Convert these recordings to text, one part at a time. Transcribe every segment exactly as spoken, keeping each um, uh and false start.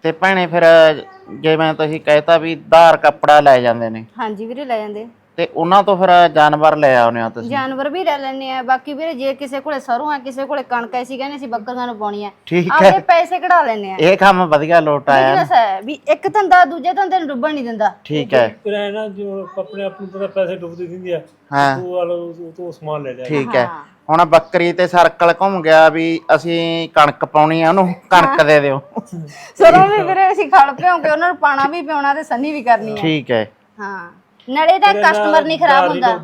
ਤੇ ਭੈਣੇ ਫਿਰ ਜਿਵੇਂ ਤੁਸੀਂ ਕਹਿਤਾ ਵੀ ਧਾਰ ਕੱਪੜਾ ਲੈ ਜਾਂਦੇ ਨੇ। ਹਾਂਜੀ ਵੀਰੇ ਲੈ ਜਾਂਦੇ। ਤੇ ਉਹਨਾਂ ਤੋਂ ਫਿਰ ਜਾਨਵਰ ਲੈ ਆਉਨੇ ਹੋ ਤੁਸੀਂ? ਜਾਨਵਰ ਵੀ ਲੈ ਲੈਣੇ ਆ। ਬਾਕੀ ਵੀਰੇ ਜੇ ਕਿਸੇ ਕੋਲੇ ਸਰੋਂ ਆ, ਕਿਸੇ ਕੋਲੇ ਕਣਕ, ਐਸੀ ਕਹਿੰਦੇ ਸੀ ਬੱਕਰੀਆਂ ਨੂੰ ਪਾਉਣੀ ਆ, ਠੀਕ ਹੈ, ਆਪਦੇ ਪੈਸੇ ਕਢਾ ਲੈਣੇ ਆ। ਇਹ ਕੰਮ ਵਧੀਆ ਲੋਟ ਆਇਆ। ਬਿਜ਼ਨਸ ਹੈ ਵੀ ਇੱਕ ਧੰਦਾ ਦੂਜੇ ਧੰਦੇ ਨੂੰ ਡੁੱਬਣ ਨਹੀਂ ਦਿੰਦਾ। ਠੀਕ ਹੈ, ਕਿਰਾਏ ਨਾਲ ਜੋ ਆਪਣੇ ਆਪ ਨੂੰ ਪਤਾ ਪੈਸੇ ਡੁੱਬਦੇ ਦਿੰਦੀ ਆ, ਹਾਂ ਤੂੰ ਵਾਲੋ ਤੂੰ ਸਮਾਨ ਲੈ ਲਿਆ। ਠੀਕ ਹੈ। ਹੁਣ ਬੱਕਰੀ ਤੇ ਸਰਕਲ ਘੁੰਮ ਗਿਆ ਵੀ ਅਸੀਂ ਕਣਕ ਪਾਉਣੀ ਆ, ਉਹਨੂੰ ਕਣਕ ਦੇ ਦਿਓ। ਸਰੋਂ ਵੀ ਵੀਰੇ ਅਸੀਂ ਖਲ ਪਿਆਉਂਗੇ, ਉਹਨਾਂ ਨੂੰ ਪਾਣਾ ਵੀ ਪਿਆਉਣਾ ਤੇ ਸੰਨੀ ਵੀ ਕਰਨੀ ਆ। ਠੀਕ ਹੈ, ਹਾਂ ਨਾਲੇ ਤਾਂ ਕਸਟਮਰ ਨਹੀਂ ਖਰਾਬ ਹੁੰਦਾ।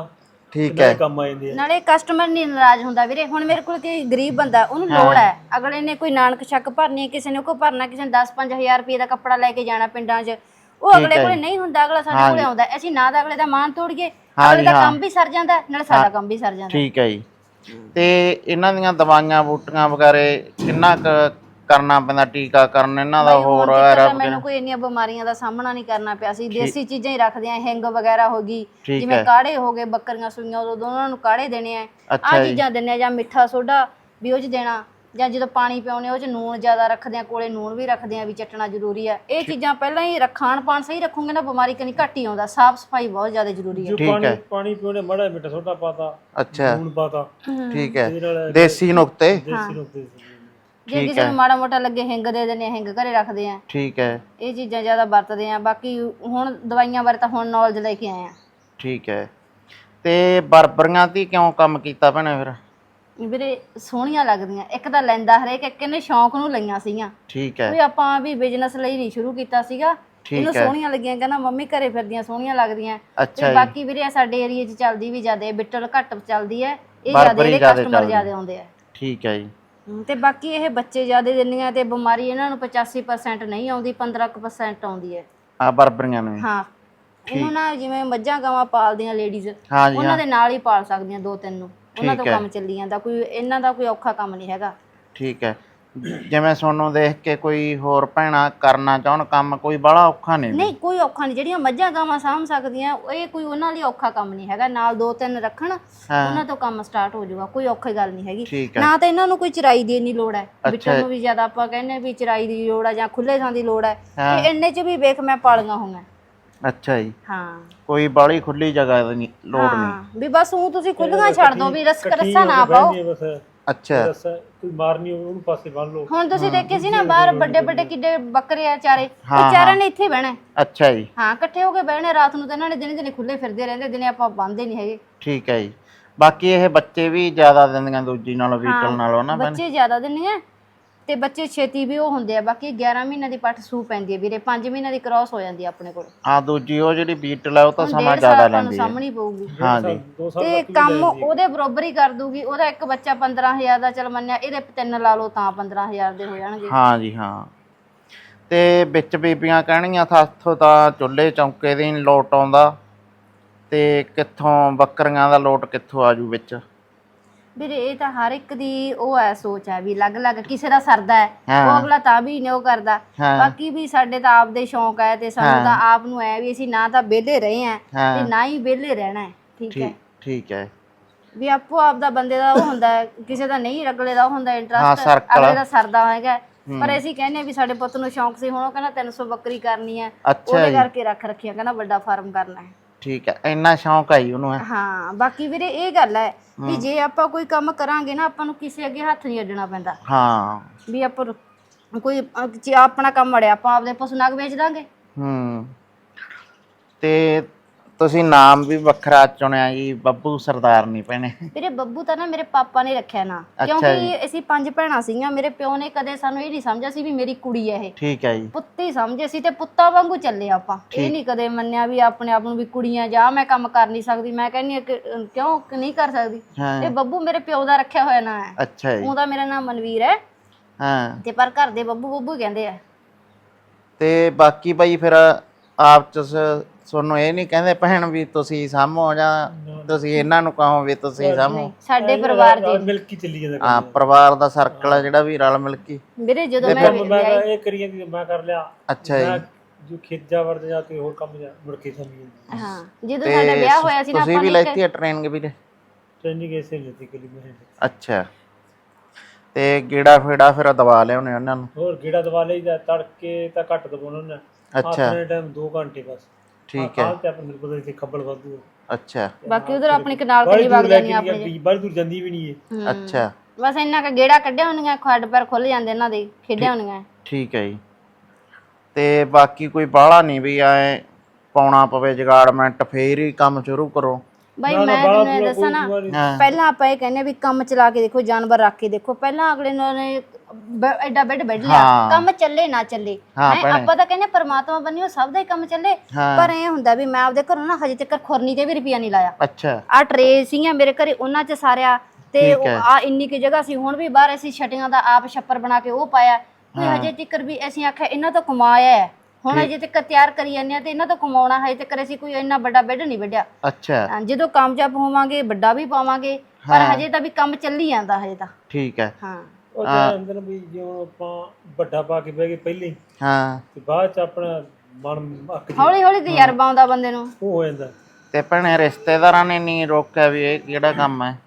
ਠੀਕ ਹੈ, ਕੰਮ ਆ ਜਾਂਦੇ ਆ। ਨਾਲੇ ਕਸਟਮਰ ਨਹੀਂ ਨਾਰਾਜ਼ ਹੁੰਦਾ ਵੀਰੇ। ਹੁਣ ਮੇਰੇ ਕੋਲ ਕੋਈ ਗਰੀਬ ਬੰਦਾ, ਉਹਨੂੰ ਲੋੜ ਹੈ, ਅਗਲੇ ਨੇ ਕੋਈ ਨਾਨਕ ਛੱਕ ਭਰਨੀ, ਕਿਸੇ ਨੇ ਕੋ ਭਰਨਾ, ਕਿਸੇ ਨੇ ਦਸ ਪੰਜ ਹਜ਼ਾਰ ਰੁਪਏ ਦਾ ਕੱਪੜਾ ਲੈ ਕੇ ਜਾਣਾ ਪਿੰਡਾਂ 'ਚ, ਉਹ ਅਗਲੇ ਕੋਲੇ ਨਹੀਂ ਹੁੰਦਾ, ਅਗਲਾ ਸਾਡੇ ਕੋਲੇ ਆਉਂਦਾ। ਅਸੀਂ ਨਾ ਤਾਂ ਅਗਲੇ ਦਾ ਮਾਨ ਤੋੜੀਏ, ਅਗਲੇ ਦਾ ਕੰਮ ਵੀ ਸਰ ਜਾਂਦਾ, ਨਾਲੇ ਸਾਡਾ ਕੰਮ ਵੀ ਸਰ ਜਾਂਦਾ। ਠੀਕ ਹੈ ਜੀ। ਤੇ ਇਹਨਾਂ ਦੀਆਂ ਦਵਾਈਆਂ ਬੂਟੀਆਂ ਵਗੈਰੇ ਕਿੰਨਾ ਕੁ ਕਰਨਾ ਪੈਂਦਾ, ਟੀਕਾਕਰਨ ਇਹਨਾਂ ਦਾ? ਹੋਰ ਮੈਨੂੰ ਕੋਈ ਇੰਨੀਆਂ ਬਿਮਾਰੀਆਂ ਦਾ ਸਾਹਮਣਾ ਨਹੀਂ ਕਰਨਾ ਪਿਆ ਸੀ। ਦੇਸੀ ਚੀਜ਼ਾਂ ਹੀ ਰੱਖਦੇ ਆ, ਹਿੰਗ ਵਗੈਰਾ ਹੋ ਗਈ, ਜਿਵੇਂ ਕਾੜੇ ਹੋ ਗਏ, ਬੱਕਰੀਆਂ ਸੂਈਆਂ ਉਦੋਂ ਉਹਨਾਂ ਨੂੰ ਕਾੜੇ ਦੇਣੇ ਆ, ਆਹ ਚੀਜ਼ਾਂ ਦਿੰਦੇ ਆ, ਜਾਂ ਮਿੱਠਾ ਸੋਡਾ ਵੀ ਉਹ 'ਚ ਦੇਣਾ, ਜਾਂ ਜਦੋਂ ਪਾਣੀ ਪਿਆਉਣੇ ਉਹ 'ਚ ਨੂਣ ਜ਼ਿਆਦਾ ਰੱਖਦੇ ਆ, ਕੋਲੇ ਨੂਣ ਵੀ ਰੱਖਦੇ ਆ ਵੀ ਚਟਣਾ ਜ਼ਰੂਰੀ ਆ। ਇਹ ਚੀਜ਼ਾਂ ਪਹਿਲਾਂ ਹੀ ਖਾਣ ਪਾਣ ਸਹੀ ਰੱਖੋਗੇ ਨਾ, ਬਿਮਾਰੀ ਕਨੀ ਘੱਟ ਹੀ ਆਉਂਦਾ। ਸਾਫ਼ ਸਫਾਈ ਬਹੁਤ ਜ਼ਿਆਦਾ ਜ਼ਰੂਰੀ ਹੈ। ਪਾਣੀ ਪਾਣੀ ਪਿਉਣੇ ਮਾੜਾ ਮਿੱਠਾ ਸੋਡਾ ਪਾਤਾ, ਅੱਛਾ ਨੂਣ ਪਾਤਾ, ਠੀਕ ਹੈ, ਦੇਸੀ ਨੁਕਤੇ। ਦੇਸੀ ਨੁਕਤੇ। ਜੇ ਕਿਸੇ ਨੂੰ ਮਾੜਾ ਮੋਟਾ ਲੱਗੇ ਹਿੰਗ ਦੇ ਦਿੰਦੇ ਆ, ਹਿੰਗ ਘਰੇ ਰੱਖਦੇ ਆ। ਠੀਕ ਹੈ, ਇਹ ਚੀਜ਼ਾਂ ਜ਼ਿਆਦਾ ਵਰਤਦੇ ਆ। ਬਾਕੀ ਹੁਣ ਦਵਾਈਆਂ ਬਾਰੇ ਤਾਂ ਹੁਣ ਨੌਲੇਜ ਲੈ ਕੇ ਆਏ ਆ। ਠੀਕ ਹੈ। ਤੇ ਬਰਬਰੀਆਂ ਦੀ ਕਿਉਂ ਕੰਮ ਕੀਤਾ ਭੈਣੇ ਫਿਰ? ਵੀਰੇ ਸੋਹਣੀਆਂ ਲੱਗਦੀਆਂ, ਇੱਕ ਤਾਂ ਲੈਂਦਾ ਹਰੇਕ, ਇੱਕ ਇਹਨੇ ਸ਼ੌਂਕ ਨੂੰ ਲਈਆਂ ਸੀਗੀਆਂ। ਠੀਕ ਹੈ, ਵੀ ਆਪਾਂ ਵੀ ਬਿਜ਼ਨਸ ਲਈ ਨਹੀਂ ਸ਼ੁਰੂ ਕੀਤਾ ਸੀਗਾ, ਇਹਨੂੰ ਸੋਹਣੀਆਂ ਲੱਗੀਆਂ, ਕਹਿੰਦਾ ਮੰਮੀ ਘਰੇ ਫਿਰਦੀਆਂ ਸੋਹਣੀਆਂ ਲੱਗਦੀਆਂ। ਤੇ ਬਾਕੀ ਵੀਰੇ ਸਾਡੇ ਏਰੀਏ 'ਚ ਚੱਲਦੀ ਵੀ ਜ਼ਿਆਦਾ, ਬਿੱਟਲ ਘੱਟ ਚੱਲਦੀ ਹੈ, ਇਹ ਜ਼ਿਆਦਾ ਇਹਦੇ ਕਸਟਮਰ ਜ਼ਿਆਦਾ ਆਉਂਦੇ ਆ। ਠੀਕ ਹੈ ਜੀ। ਤੇ ਬਾਕੀ ਇਹ ਬੱਚੇ ਜ਼ਿਆਦਾ ਦਿੰਦੀਆਂ, ਤੇ ਬਿਮਾਰੀ ਇਹਨਾਂ ਨੂੰ ਪਚਾਸੀ ਪਰਸੈਂਟ ਨਹੀਂ ਆਉਂਦੀ, ਪੰਦਰਾਂ ਕੁ ਪਰਸੈਂਟ ਆਉਂਦੀ ਹੈ ਆ ਬਰਬਰੀਆਂ ਨੂੰ? ਹਾਂ, ਇਹਨੂੰ ਨਾ ਜਿਵੇਂ ਮੱਝਾਂ ਗਾਵਾਂ ਪਾਲਦੀਆਂ ਲੇਡੀਜ਼, ਉਹਨਾਂ ਦੇ ਨਾਲ ਹੀ ਪਾਲ ਸਕਦੀਆਂ ਦੋ ਤਿੰਨ ਨੂੰ, ਉਹਨਾਂ ਤੋਂ ਕੰਮ ਚੱਲੀ ਜਾਂਦਾ। ਕੋਈ ਇਹਨਾਂ ਦਾ ਕੋਈ ਔਖਾ ਕੰਮ ਨਹੀਂ ਹੈਗਾ। ਠੀਕ ਹੈ। ਜਿਵੇਂ ਤੁਹਾਨੂੰ ਦੇਖ ਕੇ ਕੋਈ ਹੋਰ ਭੈਣਾਂ ਕਰਨਾ ਚਾਹਣ ਕੰਮ, ਕੋਈ ਬੜਾ ਔਖਾ ਨਹੀਂ? ਨਹੀਂ ਕੋਈ ਔਖਾ ਨਹੀਂ, ਜਿਹੜੀਆਂ ਮੱਝਾਂ ਗਾਵਾਂ ਸਾਂਭ ਸਕਦੀਆਂ, ਇਹ ਕੋਈ ਉਹਨਾਂ ਲਈ ਔਖਾ ਕੰਮ ਨਹੀਂ ਹੈਗਾ। ਨਾਲ ਦੋ ਤਿੰਨ ਰੱਖਣ, ਉਹਨਾਂ ਤੋਂ ਕੰਮ ਸਟਾਰਟ ਹੋ ਜਾਊਗਾ, ਕੋਈ ਔਖੀ ਗੱਲ ਨਹੀਂ ਹੈਗੀ। ਨਾ ਤਾਂ ਇਹਨਾਂ ਨੂੰ ਕੋਈ ਚਰਾਈ ਦੀ ਇੰਨੀ ਲੋੜ ਹੈ, ਬਿੱਟਲ ਨੂੰ ਵੀ ਜ਼ਿਆਦਾ ਆਪਾਂ ਕਹਿੰਦੇ ਵੀ ਚਰਾਈ ਦੀ ਲੋੜ ਹੈ ਜਾਂ ਖੁੱਲੇ ਥਾਂ ਦੀ ਲੋੜ ਹੈ, ਤੇ ਇੰਨੇ 'ਚ ਵੀ ਵੇਖ ਮੈਂ ਪਾਲੀਆਂ ਹੋਈਆਂ। ਅੱਛਾ ਜੀ। ਹਾਂ, ਕੋਈ ਬਾਲੀ ਖੁੱਲੀ ਜਗ੍ਹਾ ਦੀ ਲੋੜ ਨਹੀਂ ਵੀ ਬਸ ਉਹ ਤੁਸੀਂ ਖੁੱਲੀਆਂ ਛੱਡ ਦੋ, ਵੀ ਰਸ ਰੱਸਾ ਨਾ ਪਾਓ। ਅੱਛਾ, ਕੋਈ ਮਾਰਨੀ ਉਹਨੂੰ ਪਾਸੇ ਬੰਨ ਲਓ। ਹੁਣ ਤੁਸੀਂ ਦੇਖੇ ਸੀ ਨਾ ਬਾਹਰ ਵੱਡੇ ਵੱਡੇ ਕਿੱਡੇ ਬੱਕਰੇ ਆ ਚਾਰੇ, ਉਹ ਚਾਰਾਂ ਨੇ ਇੱਥੇ ਬਹਿਣਾ। ਅੱਛਾ ਜੀ। ਹਾਂ, ਇਕੱਠੇ ਹੋ ਕੇ ਬਹਿਣੇ ਰਾਤ ਨੂੰ, ਤਾਂ ਇਹਨਾਂ ਨੇ ਦਿਨੇ ਦਿਨੇ ਖੁੱਲੇ ਫਿਰਦੇ ਰਹਿੰਦੇ, ਦਿਨੇ ਆਪਾਂ ਬੰਨਦੇ ਨਹੀਂ ਹੈਗੇ। ਠੀਕ ਹੈ ਜੀ। ਬਾਕੀ ਇਹ ਬੱਚੇ ਵੀ ਜ਼ਿਆਦਾ ਦਿੰਦੀਆਂ ਦੂਜੀ ਨਾਲੋਂ, ਬੀਟਲ ਨਾਲੋਂ ਨਾ? ਬੱਚੇ ਜ਼ਿਆਦਾ ਦਿੰਦੀਆਂ ਤੇ ਬੱਚੇ ਛੇਤੀ ਵੀ ਉਹ ਹੁੰਦੇ ਆ। ਬਾਕੀ ਗਿਆਰਾਂ ਮਹੀਨਿਆਂ ਦੀ ਪੱਠ ਸੂ ਪੈਂਦੀ ਹੈ ਵੀਰੇ, ਪੰਜ ਮਹੀਨਿਆਂ ਦੀ ਕ੍ਰਾਸ ਹੋ ਜਾਂਦੀ ਆ ਆਪਣੇ ਕੋਲ। ਹਾਂ, ਦੂਜੀ ਉਹ ਜਿਹੜੀ ਬੀਟਲ ਹੈ ਉਹ ਤਾਂ ਸਮਾਂ ਜ਼ਿਆਦਾ ਲੈਂਦੀ ਹੈ, ਸਾਹਮਣੀ ਪਊਗੀ। ਹਾਂ ਜੀ। ਤੇ ਕੰਮ ਉਹਦੇ ਬਰਾਬਰ ਹੀ ਕਰ ਦੂਗੀ। ਉਹਦਾ ਇੱਕ ਬੱਚਾ ਪੰਦਰਾਂ ਹਜ਼ਾਰ ਦਾ ਚੱਲ ਮੰਨਿਆ, ਇਹਦੇ ਤਿੰਨ ਲਾ ਲਓ ਤਾਂ ਪੰਦਰਾਂ ਹਜ਼ਾਰ ਦੇ ਹੋ ਜਾਣਗੇ। ਹਾਂ ਜੀ, ਹਾਂ। ਤੇ ਵਿੱਚ ਬੀਬੀਆਂ ਕਹਿਣਗੀਆਂ ਸਾਥੋਂ ਤਾਂ ਚੁੱਲ੍ਹੇ ਚੌਂਕੇ ਦੀ ਨਹੀਂ ਲੋਟ ਆਉਂਦਾ, ਤੇ ਕਿੱਥੋਂ ਬੱਕਰੀਆਂ ਦਾ ਲੋਟ ਕਿੱਥੋਂ ਆਜੂ ਵਿੱਚ? ਵੀਰੇ ਇਹ ਤਾਂ ਹਰ ਇੱਕ ਦੀ ਉਹ ਹੈ ਸੋਚ ਹੈ, ਵੀ ਅਲੱਗ ਅਲੱਗ ਕਿਸੇ ਦਾ ਸਰਦਾ ਹੈ, ਉਹ ਅਗਲਾ ਤਾਂ ਵੀ ਨਹੀਂ ਉਹ ਕਰਦਾ। ਬਾਕੀ ਵੀ ਸਾਡੇ ਤਾਂ ਆਪਦੇ ਸ਼ੌਂਕ ਹੈ, ਤੇ ਸਾਨੂੰ ਤਾਂ ਆਪ ਨੂੰ ਹੈ ਵੀ ਅਸੀਂ ਨਾ ਤਾਂ ਵਿਹਲੇ ਰਹੇ ਆ ਤੇ ਨਾ ਹੀ ਵਿਹਲੇ ਰਹਿਣਾ ਹੈ। ਠੀਕ ਹੈ, ਠੀਕ ਹੈ। ਵੀ ਆਪੋ ਆਪ ਦਾ ਬੰਦੇ ਦਾ ਉਹ ਹੁੰਦਾ ਹੈ, ਕਿਸੇ ਦਾ ਨਹੀਂ, ਅਗਲੇ ਦਾ ਉਹ ਹੁੰਦਾ ਇੰਟਰਸਟ, ਅਗਲੇ ਦਾ ਸਰਦਾ ਹੈਗਾ। ਪਰ ਅਸੀਂ ਕਹਿੰਦੇ ਵੀ ਸਾਡੇ ਪੁੱਤ ਨੂੰ ਸ਼ੌਂਕ ਸੀ, ਹੁਣ ਉਹ ਕਹਿੰਦਾ ਤਿੰਨ ਸੌ ਬੱਕਰੀ ਕਰਨੀ ਹੈ, ਉਹਦੇ ਕਰਕੇ ਰੱਖ ਰੱਖਿਆ, ਕਹਿੰਦਾ ਵੱਡਾ ਫਾਰਮ ਕਰਨਾ ਹੈ। ਠੀਕ ਹੈ, ਇੰਨਾ ਸ਼ੌਂਕ ਹੈ ਉਹਨੂੰ? ਹਾਂ, ਬਾਕੀ ਵੀਰੇ ਇਹ ਗੱਲ ਹੈ ਵੀ ਜੇ ਆਪਾਂ ਕੋਈ ਕੰਮ ਕਰਾਂਗੇ ਨਾ, ਆਪਾਂ ਨੂੰ ਕਿਸੇ ਅੱਗੇ ਹੱਥ ਨਹੀਂ ਅੱਡਣਾ ਪੈਂਦਾ। ਹਾਂ, ਵੀ ਆਪਾਂ ਕੋਈ ਆਪਣਾ ਕੰਮ ਅੜਿਆ, ਆਪਾਂ ਆਪਦੇ ਪਸ਼ੂ ਨਾਗ ਵੇਚ ਦਾਂਗੇ। ਹੂੰ। ਤੇ ਤੁਸੀਂ ਨਾਮ ਵੀ ਵੱਖਰਾ ਚੁਣਿਆ ਜੀ, ਬੱਬੂ ਸਰਦਾਰਨੀ ਭੈਣੇ? ਵੀਰੇ ਬੱਬੂ ਤਾਂ ਨਾ ਮੇਰੇ ਪਾਪਾ ਨੇ ਰੱਖਿਆ ਨਾ, ਕਿਉਂਕਿ ਅਸੀਂ ਪੰਜ ਭੈਣਾਂ ਸੀਗੀਆਂ। ਮੇਰੇ ਪਿਓ ਨੇ ਕਦੇ ਸਾਨੂੰ ਇਹ ਨਹੀਂ ਸਮਝਿਆ ਸੀ ਵੀ ਮੇਰੀ ਕੁੜੀ ਹੈ ਇਹ। ਠੀਕ ਹੈ ਜੀ। ਪੁੱਤੀ ਸਮਝੇ ਸੀ, ਤੇ ਪੁੱਤਾਂ ਵਾਂਗੂ ਚੱਲੇ ਆਪਾਂ। ਇਹ ਨਹੀਂ ਕਦੇ ਮੰਨਿਆ ਵੀ ਆਪਣੇ ਆਪ ਨੂੰ ਵੀ ਕੁੜੀਆਂ ਜਾਂ ਮੈਂ ਕੰਮ ਕਰ ਨਹੀਂ ਸਕਦੀ। ਮੈਂ ਕਹਿੰਦੀ ਕਿਉਂ ਨਹੀਂ ਕਰ ਸਕਦੀ? ਇਹ ਬੱਬੂ ਮੇਰੇ ਪਿਓ ਦਾ ਰੱਖਿਆ ਹੋਇਆ ਨਾਂ ਹੈ। ਅੱਛਾ ਜੀ। ਉਹਦਾ ਮੇਰਾ ਨਾਮ ਮਨਵੀਰ ਹੈ। ਹਾਂ, ਤੇ ਪਰ ਘਰ ਦੇ ਬੱਬੂ ਬੱਬੂ ਕਹਿੰਦੇ ਆ। ਤੇ ਬਾਕੀ ਬਾਈ ਫਿਰ ਆਪ ਚ ਤੁਹਾਨੂੰ ਇਹ ਨਹੀਂ ਕਹਿੰਦੇ ਭੈਣ ਵੀ ਤੁਸੀਂ ਸਾਂਭੋ, ਜਾਂ ਤੁਸੀਂ ਇਹਨਾਂ ਨੂੰ ਕਹੋ ਵੀ ਤੁਸੀਂ ਸਾਂਭੋ? ਸਾਡੇ ਪਰਿਵਾਰ ਦੇ ਮਿਲ ਕੇ ਚੱਲੀ ਜਾਂਦਾ। ਹਾਂ, ਪਰਿਵਾਰ ਦਾ ਸਰਕਲ ਹੈ ਜਿਹੜਾ ਵੀ ਰਲ ਮਿਲ ਕੇ। ਵੀਰੇ ਜਦੋਂ ਮੈਂ ਇਹ ਕਰੀਏ ਕਿ ਮੈਂ ਕਰ ਲਿਆ। ਅੱਛਾ ਜੀ। ਜੋ ਖੇਤ ਜਾ ਵਰਦ ਜਾ ਕੇ ਹੋਰ ਕੰਮ ਜਾ ਮੁੜ ਕੇ ਸਮਝੀ। ਹਾਂ, ਜਦੋਂ ਸਾਡਾ ਵਿਆਹ ਹੋਇਆ ਸੀ ਨਾ, ਤੁਸੀਂ ਵੀ ਲੈਤੀ ਹੈ ਟ੍ਰੇਨਿੰਗ ਵੀਰੇ? ਟ੍ਰੇਨਿੰਗ ਐਸੇ ਲੈਤੀ ਕਲੀ ਮੈਂ। ਅੱਛਾ। ਤੇ ਗੇੜਾ ਫੇੜਾ ਫਿਰ ਦਵਾ ਲਿਆਉਣੇ ਉਹਨਾਂ ਨੂੰ। ਹੋਰ ਗੇੜਾ ਦਵਾ ਲਈਦਾ, ਤੜਕੇ ਤਾਂ ਘੱਟ ਦਵਾਉਣਾ ਨਾ। ਅੱਛਾ ਆਪਣੇ ਟਾਈਮ ਦੋ ਘੰਟੇ ਬਸ। ਠੀਕ ਹੈ। ਹਾਲ ਤੇ ਆਪਣੇ ਪਤਾ ਇੱਥੇ ਖੱਬਲ ਵਾਧੂ। ਅੱਛਾ ਬਾਕੀ ਉਧਰ ਆਪਣੀ ਕਨਾਲ ਬੜੀ ਕਲੀ ਦੂਰ ਵਗ ਲੈ ਜਾਣੀ ਕੇ ਆਪਣੇ ਨਹੀਂ ਬੜੀ ਦੂਰ ਜਾਂਦੀ ਵੀ ਨਹੀਂ ਇਹ। ਅੱਛਾ ਬਸ ਇੰਨਾ ਕ ਗੇੜਾ ਕੱਢਿਆ ਹੁੰਦੀਆਂ, ਖੱਡ ਪੈਰ ਖੁੱਲ ਜਾਂਦੇ ਇਹਨਾਂ ਦੇ, ਖੇਡਿਆ ਹੁੰਦੀਆਂ। ਠੀਕ ਹੈ ਜੀ। ਤੇ ਬਾਕੀ ਕੋਈ ਬਾਹਲਾ ਨਹੀਂ ਵੀ ਐ ਪਾਉਣਾ ਪਵੇ ਜਗਾੜਮੈਂਟ ਫੇਰ ਹੀ ਕੰਮ ਸ਼ੁਰੂ ਕਰੋ। ਬਾਈ ਮੈਂ ਤੈਨੂੰ ਇਹ ਦੱਸਾਂ ਨਾ, ਪਹਿਲਾਂ ਆਪਾਂ ਇਹ ਕਹਿੰਦੇ ਵੀ ਕੰਮ ਚਲਾ ਕੇ ਦੇਖੋ, ਜਾਨਵਰ ਰੱਖ ਕੇ ਦੇਖੋ। ਪਹਿਲਾਂ ਅਗਲੇ ਨੇ ਐਡਾ ਬੈੱਡ ਬੈੱਡ ਲਿਆ, ਕੰਮ ਚੱਲੇ ਨਾ ਚੱਲੇ, ਆਪਾਂ ਤਾਂ ਕਹਿੰਦੇ ਪਰਮਾਤਮਾ ਬੰਨਿਓ ਸਭ ਦਾ ਹੀ ਕੰਮ ਚੱਲੇ। ਪਰ ਇਹ ਹੁੰਦਾ ਵੀ ਮੈਂ ਆਪਦੇ ਘਰੋਂ ਨਾ ਹਜੇ ਤੱਕ ਖੁਰਨੀ ਤੇ ਵੀ ਰੁਪਿਆ ਨਹੀਂ ਲਾਇਆ। ਅੱਛਾ ਆ ਟਰੇ ਸੀਗੀਆਂ ਮੇਰੇ ਘਰੇ, ਉਹਨਾਂ ਚ ਸਾਰਿਆ ਤੇ ਆ ਇੰਨੀ ਕੁ ਜਗ੍ਹਾ ਸੀ। ਹੁਣ ਵੀ ਬਾਹਰ ਅਸੀਂ ਛਟੀਆਂ ਦਾ ਆਪ ਛੱਪਰ ਬਣਾ ਕੇ ਉਹ ਪਾਇਆ। ਕੋਈ ਹਜੇ ਤੱਕ ਵੀ ਅਸੀਂ ਆਖਿਆ ਇਹਨਾਂ ਤੋਂ ਕਮਾਇਆ ਹੈ, ਹੁਣ ਹਜੇ ਤੱਕ ਤਿਆਰ ਕਰੀ ਜਾਂਦੇ ਆ ਤੇ ਇਹਨਾਂ ਤੋਂ ਕਮਾਉਣਾ। ਹਜੇ ਤੱਕ ਅਸੀਂ ਕੋਈ ਇੰਨਾ ਵੱਡਾ ਬੈੱਡ ਨਹੀਂ ਵੱਢਿਆ। ਅੱਛਾ ਜਦੋਂ ਕਾਮਯਾਬ ਹੋਵਾਂਗੇ ਵੱਡਾ ਵੀ ਪਾਵਾਂਗੇ, ਪਰ ਹਜੇ ਤਾਂ ਵੀ ਕੰਮ ਚੱਲੀ ਜਾਂਦਾ ਹਜੇ ਤਾਂ। ਠੀਕ ਹੈ। ਹਾਂ ਉਹ ਤਾਂ ਅੰਦਰ ਵੀ ਜਿਉਂ ਆਪਾਂ ਵੱਡਾ ਪਾ ਕੇ ਬਹਿ ਗਏ ਪਹਿਲੇ, ਹਾਂ ਤੇ ਬਾਅਦ ਚ ਆਪਣਾ ਮਨ ਅੱਕ ਜੇ ਹੌਲੀ ਹੌਲੀ ਤਜਰਬਾ ਆਉਂਦਾ ਬੰਦੇ ਨੂੰ, ਉਹ ਹੋ ਜਾਂਦਾ। ਤੇ ਭੈਣੇ ਰਿਸ਼ਤੇਦਾਰਾਂ ਨੇ ਨਹੀਂ ਰੋਕਿਆ ਵੀ ਇਹ ਕਿਹੜਾ ਕੰਮ ਹੈ?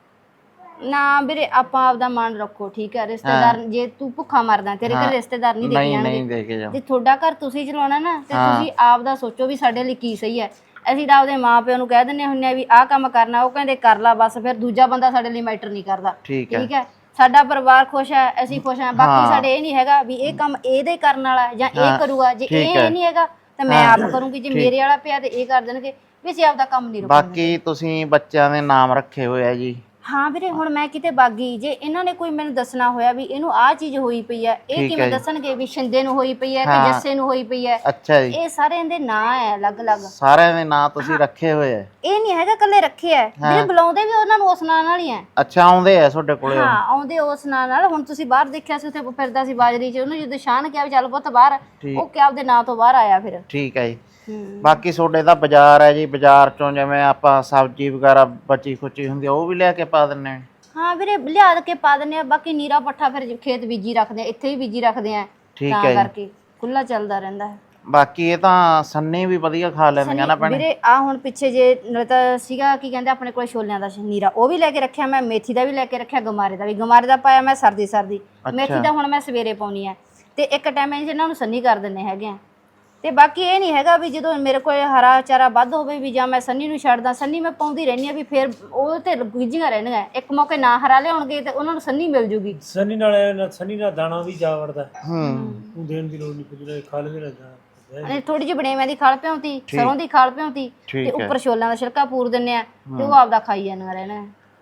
ਨਾ ਵੀਰੇ ਆਪਾਂ ਆਪਦਾ ਮਨ ਰੱਖੋ, ਠੀਕ ਹੈ। ਰਿਸ਼ਤੇਦਾਰ ਜੇ ਤੂੰ ਭੁੱਖਾ ਮਰਦਾ, ਤੇਰੇ ਘਰ ਰਿਸ਼ਤੇਦਾਰ ਨਹੀਂ ਦੇ ਕੇ ਜਾਣਗੇ। ਜੇ ਤੁਹਾਡਾ ਘਰ ਤੁਸੀਂ ਚਲਾਉਣਾ ਨਾ, ਤੇ ਤੁਸੀਂ ਆਪਦਾ ਸੋਚੋ ਵੀ ਸਾਡੇ ਲਈ ਕੀ ਸਹੀ ਹੈ। ਅਸੀਂ ਤਾਂ ਆਪਦੇ ਮਾਂ ਪਿਓ ਨੂੰ ਕਹਿ ਦਿੰਦੇ ਹੁੰਦੇ ਆ ਵੀ ਆਹ ਕੰਮ ਕਰਨਾ, ਉਹ ਕਹਿੰਦੇ ਕਰ ਲਾ ਬਸ, ਫਿਰ ਦੂਜਾ ਬੰਦਾ ਸਾਡੇ ਲਈ ਮੈਟਰ ਨਹੀਂ ਕਰਦਾ। ਠੀਕ ਹੈ, ਸਾਡਾ ਪਰਿਵਾਰ ਖੁਸ਼ ਹੈ, ਅਸੀਂ ਖੁਸ਼ ਹਾਂ। ਬਾਕੀ ਸਾਡੇ ਇਹ ਨਹੀਂ ਹੈਗਾ ਵੀ ਇਹ ਕੰਮ ਇਹਦੇ ਕਰਨ ਵਾਲਾ ਜਾਂ ਇਹ ਕਰੂਗਾ। ਜੇ ਇਹ ਨਹੀਂ ਹੈਗਾ ਤਾਂ ਮੈਂ ਆਪ ਕਰੂੰਗੀ। ਜੇ ਮੇਰੇ ਵਾਲਾ ਪਿਆ ਤੇ ਇਹ ਕਰ ਦੇਣਗੇ, ਵੀ ਅਸੀਂ ਆਪਦਾ ਕੰਮ ਨਹੀਂ ਰੋਕਣਾ। ਬਾਕੀ ਤੁਸੀਂ ਬੱਚਿਆਂ ਦੇ ਨਾਮ ਰੱਖੇ ਹੋਏ ਆ ਜੀ? ਹਾਂ ਵੀਰੇ, ਹੁਣ ਮੈਂ ਕਿਤੇ ਬਾਗੀ, ਜੇ ਇਹਨਾਂ ਨੇ ਕੋਈ ਮੈਨੂੰ ਦੱਸਣਾ ਹੋਇਆ ਵੀ ਇਹਨੂੰ ਆਹ ਚੀਜ਼ ਹੋਈ ਪਈ ਹੈ, ਇਹ ਕਿਵੇਂ ਦੱਸਣਗੇ ਵੀ ਸ਼ਿੰਦੇ ਨੂੰ ਹੋਈ ਪਈ ਹੈ ਕਿ ਜੱਸੇ ਨੂੰ ਹੋਈ ਪਈ ਹੈ? ਅੱਛਾ ਜੀ। ਇਹ ਸਾਰਿਆਂ ਦੇ ਨਾਂ ਹੈ ਅਲੱਗ-ਅਲੱਗ, ਸਾਰਿਆਂ ਦੇ ਨਾਂ ਤੁਸੀਂ ਰੱਖੇ ਹੋਏ ਆ? ਇਹ ਨਹੀਂ ਹੈਗਾ ਕੱਲੇ ਰੱਖੇ ਆ ਵੀਰੇ, ਬੁਲਾਉਂਦੇ ਵੀ ਉਹਨਾਂ ਨੂੰ ਉਸ ਨਾਂ ਨਾਲ ਹੀ ਆ। ਅੱਛਾ, ਆਉਂਦੇ ਆ ਤੁਹਾਡੇ ਕੋਲੇ? ਹਾਂ ਆਉਂਦੇ ਉਸ ਨਾਂ ਨਾਲ। ਹੁਣ ਤੁਸੀਂ ਬਾਹਰ ਦੇਖਿਆ ਸੀ, ਉੱਥੇ ਫਿਰਦਾ ਸੀ ਬਾਜਰੀ 'ਚ, ਉਹਨੂੰ ਜਦੋਂ ਸ਼ਾਨ ਕਿਹਾ ਵੀ ਚੱਲ ਪੁੱਤ ਬਾਹਰ, ਉਹ ਕਿਆ ਆਪਦੇ ਨਾਂ ਤੋਂ ਬਾਹਰ ਆਇਆ ਫਿਰ। ਠੀਕ ਹੈ ਜੀ। ਬਾਕੀ ਤੁਹਾਡੇ ਦਾ ਬਾਜ਼ਾਰ ਹੈ ਜੀ, ਬਾਜ਼ਾਰ ਚੋਂ ਜਿਵੇਂ ਆਪਾਂ ਸਬਜ਼ੀ ਵਗੈਰਾ ਬਚੀ ਖੁਚੀ ਹੁੰਦੀ ਉਹ ਵੀ ਲਿਆ ਕੇ ਪਾ ਦਿੰਦੇ ਆ? ਹਾਂ ਵੀਰੇ ਲਿਆ ਕੇ ਪਾ ਦਿੰਦੇ ਆ। ਬਾਕੀ ਨੀਰਾ ਪੱਠਾ ਫਿਰ ਖੇਤ ਬੀਜੀ ਰੱਖਦੇ ਆ, ਇੱਥੇ ਹੀ ਬੀਜੀ ਰੱਖਦੇ ਆ, ਤਾਂ ਕਰਕੇ ਖੁੱਲਾ ਚੱਲਦਾ ਰਹਿੰਦਾ ਹੈ। ਬਾਕੀ ਇਹ ਤਾਂ ਸੰਨੇ ਵੀ ਵਧੀਆ ਖਾ ਲੈਂਦੀਆਂ ਨਾ ਭੈਣੇ? ਵੀਰੇ ਆ ਹੁਣ ਪਿੱਛੇ ਜੇ ਨਾਲੇ ਤਾਂ ਸੀਗਾ ਕੀ ਕਹਿੰਦੇ ਆਪਣੇ ਕੋਲ ਛੋਲਿਆਂ ਦਾ ਨੀਰਾ, ਉਹ ਵੀ ਲੈ ਕੇ ਰੱਖਿਆ ਮੈਂ, ਮੇਥੀ ਦਾ ਵੀ ਲੈ ਕੇ ਰੱਖਿਆ, ਗਮਾਰੇ ਦਾ ਵੀ। ਗਮਾਰੇ ਦਾ ਪਾਇਆ ਮੈਂ ਸਰਦੀ ਸਰਦੀ, ਮੇਥੀ ਦਾ ਹੁਣ ਮੈਂ ਸਵੇਰੇ ਪਾਉਣੀ ਹੈ। ਤੇ ਇੱਕ ਟਾਈਮ ਇਹਨਾਂ ਨੂੰ ਸੰਨੀ ਕਰ ਦਿੰਦੇ ਹੈਗੇ ਆ। ਤੇ ਬਾਕੀ ਇਹ ਨਹੀਂ ਹੈਗਾ ਵੀ ਜਦੋਂ ਮੇਰੇ ਕੋਲ ਹਰਾ ਚਾਰਾ ਵੱਧ ਹੋਵੇ ਵੀ ਜਾਂ ਮੈਂ ਸੰਨੀ ਨੂੰ ਛੱਡਦਾ, ਸੰਨੀ ਮੈਂ ਪਾਉਂਦੀ ਰਹਿੰਦੀ ਆ ਵੀ ਫਿਰ ਉਹ ਤੇ ਗੁੱਝੀਆਂ ਰਹਿਣਗੀਆਂ। ਇੱਕ ਮੌਕੇ ਨਾ ਹਰਾ ਲਿਆਉਣਗੇ ਤੇ ਉਹਨਾਂ ਨੂੰ ਸੰਨੀ ਮਿਲ ਜੂਗੀ। ਸੰਨੀ ਨਾਲ ਸੰਨੀ ਨਾਲ ਦਾਣਾ ਵੀ ਜਾ ਵੜਦਾ, ਹੂੰ ਦੇਣ ਦੀ ਲੋੜ ਨਹੀਂ ਪੈਂਦੀ, ਖਾ ਲੈਂਦੇ ਨਾ ਦਾਣਾ। ਥੋੜੀ ਜਿਹੀ ਬੜੇਵਿਆਂ ਦੀ ਖਲ ਭਿਉਂਤੀ, ਸਰੋਂ ਦੀ ਖਲ ਭਿਉਂਤੀ, ਤੇ ਉੱਪਰ ਛੋਲਿਆਂ ਦਾ ਛਿਲਕਾ ਪੂਰ ਦਿੰਦੇ ਆ, ਤੇ ਉਹ ਆਪਦਾ ਖਾਈ ਜਾਂਦੀਆਂ ਰਹਿਣਾ।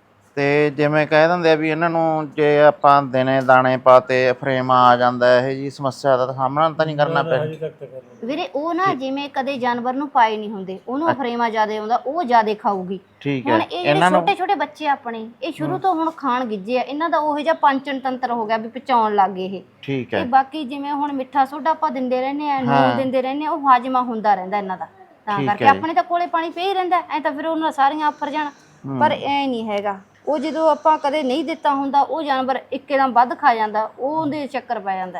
ਤੇ ਜਿਵੇਂ ਕਹਿ ਦਿੰਦੇ ਆ ਵੀ ਇਹਨਾਂ ਨੂੰ ਜੇ ਆਪਾਂ ਦਿਨੇ ਦਾਣੇ ਪਾਤੇ ਫਰੇਮ ਆ ਜਾਂਦਾ, ਇਹ ਜੀ ਸਮੱਸਿਆ ਦਾ ਸਾਹਮਣਾ ਤਾਂ ਨਹੀਂ ਕਰਨਾ ਪੈਂਦਾ ਵੀਰੇ? ਉਹ ਨਾ ਜਿਵੇਂ ਕਦੇ ਜਾਨਵਰ ਨੂੰ ਪਾਏ ਨਹੀਂ ਹੁੰਦੇ, ਉਹਨੂੰ ਫਰੇਮਾ ਜ਼ਿਆਦਾ ਆਉਂਦਾ, ਉਹ ਜ਼ਿਆਦਾ ਖਾਊਗੀ। ਹੁਣ ਇਹ ਜਿਹੜੇ ਛੋਟੇ ਛੋਟੇ ਬੱਚੇ ਆਪਣੇ, ਇਹ ਸ਼ੁਰੂ ਤੋਂ ਹੁਣ ਖਾਣ ਗਿੱਜੇ ਆ, ਇਹਨਾਂ ਦਾ ਉਹੋ ਜਿਹਾ ਪਾਚਨ ਤੰਤਰ ਹੋ ਗਿਆ ਵੀ ਪਚਾਉਣ ਲੱਗ ਗਏ ਇਹ। ਠੀਕ ਹੈ। ਤੇ ਬਾਕੀ ਜਿਵੇਂ ਹੁਣ ਮਿੱਠਾ ਸੋਡਾ ਆਪਾਂ ਦਿੰਦੇ ਰਹਿੰਦੇ ਆ, ਨੂਨ ਦਿੰਦੇ ਰਹਿੰਦੇ ਆ, ਉਹ ਹਾਜ਼ਮਾ ਹੁੰਦਾ ਰਹਿੰਦਾ ਇਹਨਾਂ ਦਾ, ਤਾਂ ਕਰਕੇ ਆਪਣੇ ਤਾਂ ਕੋਲੇ ਪਾਣੀ ਪਈ ਰਹਿੰਦਾ, ਐ ਤਾਂ ਫਿਰ ਉਹਨਾਂ ਸਾਰੀਆਂ ਆਫਰ ਜਾਣ। ਪਰ ਐ ਨਹੀਂ ਹੈਗਾ, ਉਹ ਜਦੋਂ ਆਪਾਂ ਕਦੇ ਨਹੀਂ ਦਿੱਤਾ ਹੁੰਦਾ, ਉਹ ਜਾਨਵਰ ਇੱਕਦਮ ਵੱਧ ਖਾ ਜਾਂਦਾ, ਉਹਦੇ ਚੱਕਰ ਪੈ ਜਾਂਦਾ।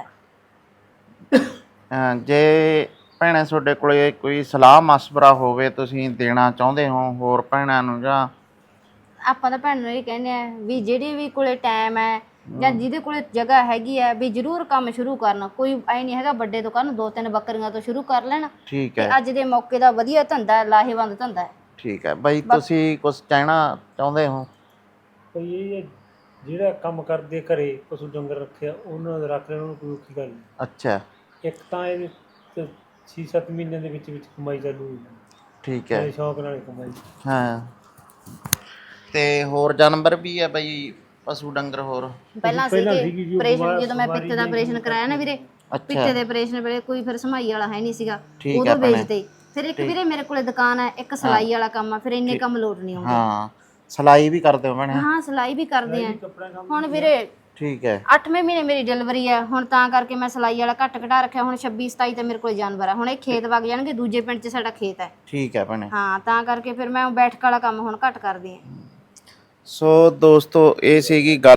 ਜੇ ਭੈਣੇ ਤੁਹਾਡੇ ਕੋਲੇ ਕੋਈ ਸਲਾਹ ਮਸ਼ਵਰਾ ਹੋਵੇ ਤੁਸੀਂ ਦੇਣਾ ਚਾਹੁੰਦੇ ਹੋ ਹੋਰ ਭੈਣਾਂ ਨੂੰ, ਜਾਂ? ਆਪਾਂ ਤਾਂ ਭੈਣ ਨੂੰ ਇਹ ਕਹਿੰਦੇ ਆ ਵੀ ਜਿਹੜੇ ਵੀ ਕੋਲੇ ਟਾਈਮ ਹੈ ਜਾਂ ਜਿਹਦੇ ਕੋਲੇ ਜਗ੍ਹਾ ਹੈਗੀ ਹੈ ਵੀ ਜ਼ਰੂਰ ਕੰਮ ਸ਼ੁਰੂ ਕਰਨਾ। ਕੋਈ ਐ ਨਹੀਂ ਹੈਗਾ ਵੱਡੇ ਤੋਂ ਕਰਨ, ਦੋ ਤਿੰਨ ਬੱਕਰੀਆਂ ਤੋਂ ਸ਼ੁਰੂ ਕਰ ਲੈਣਾ। ਠੀਕ ਹੈ। ਅੱਜ ਦੇ ਮੌਕੇ ਦਾ ਵਧੀਆ ਧੰਦਾ, ਲਾਹੇਵੰਦ ਧੰਦਾ ਹੈ। ਠੀਕ ਹੈ ਬਾਈ, ਤੁਸੀਂ ਕੁਝ ਕਹਿਣਾ ਚਾਹੁੰਦੇ ਹੋ? ਕੋਈ ਇਹ ਜਿਹੜਾ ਕੰਮ ਕਰਦੇ ਘਰੇ ਪਸ਼ੂ ਡੰਗਰ ਰੱਖਿਆ, ਉਹਨਾਂ ਦਾ ਰੱਖ ਲੈਣ, ਉਹਨੂੰ ਕੋਈ ਔਖੀ ਗੱਲ ਨਹੀਂ। ਅੱਛਾ। ਇੱਕ ਤਾਂ ਇਹਦੇ ਤੇ ਛੇ ਸੱਤ ਮਹੀਨਿਆਂ ਦੇ ਵਿੱਚ ਵਿੱਚ ਕਮਾਈ ਚਾਲੂ ਹੋ ਜਾਂਦੀ। ਠੀਕ ਹੈ। ਸ਼ੌਕ ਨਾਲ ਕਮਾਈ। ਹਾਂ। ਤੇ ਹੋਰ ਜਾਨਵਰ ਵੀ ਆ ਬਾਈ, ਪਸ਼ੂ ਡੰਗਰ ਹੋਰ? ਪਹਿਲਾਂ ਸੀਗੇ ਆਪਰੇਸ਼ਨ, ਜਦੋਂ ਮੈਂ ਪਿੱਤੇ ਦਾ ਆਪਰੇਸ਼ਨ ਕਰਾਇਆ ਨਾ ਵੀਰੇ, ਪਿੱਤੇ ਦੇ ਆਪਰੇਸ਼ਨ ਵੇਲੇ ਕੋਈ ਫਿਰ ਸਮਾਈ ਵਾਲਾ ਹੈ ਨਹੀਂ ਸੀਗਾ, ਉਦੋਂ ਵੇਚਦੇ। ਫਿਰ ਇੱਕ ਵੀਰੇ ਮੇਰੇ ਕੋਲੇ ਦੁਕਾਨ ਹੈ, ਇੱਕ ਸਿਲਾਈ ਵਾਲਾ ਕੰਮ ਆ, ਫਿਰ ਇੰਨੇ ਕੰਮ ਲੋਟ ਨਹੀਂ ਆਉਂਦੇ। ਹਾਂ, ਸਿਲਾਈ ਵੀ ਕਰਦੇ ਹੋ ਭੈਣੇ? ਹਾਂ ਸਿਲਾਈ ਵੀ ਕਰਦੇ ਆ। ਹੁਣ ਵੀਰੇ ਠੀਕ ਹੈ, ਅੱਠਵੇਂ ਮਹੀਨੇ ਮੇਰੀ ਡਿਲੀਵਰੀ ਹੈ ਹੁਣ, ਤਾਂ ਕਰਕੇ ਮੈਂ ਸਿਲਾਈ ਵਾਲਾ ਘੱਟ ਘਟਾ ਰੱਖਿਆ। ਹੁਣ ਛੱਬੀ ਸਤਾਈ ਤੇ ਮੇਰੇ ਕੋਲ ਜਾਨਵਰ ਹੈ। ਹੁਣ ਇਹ ਖੇਤ ਵਗ ਜਾਣਗੇ, ਦੂਜੇ ਪਿੰਡ 'ਚ ਸਾਡਾ ਖੇਤ ਹੈ। ਠੀਕ ਹੈ ਭੈਣੇ। ਹਾਂ, ਤਾਂ ਕਰਕੇ ਫਿਰ ਮੈਂ ਬੈਠਕ ਵਾਲਾ ਕੰਮ ਹੁਣ ਘੱਟ ਕਰਦੀ ਹਾਂ। ਸੋ ਦੋਸਤੋ, ਇਹ ਸੀਗੀ ਗੱਲ।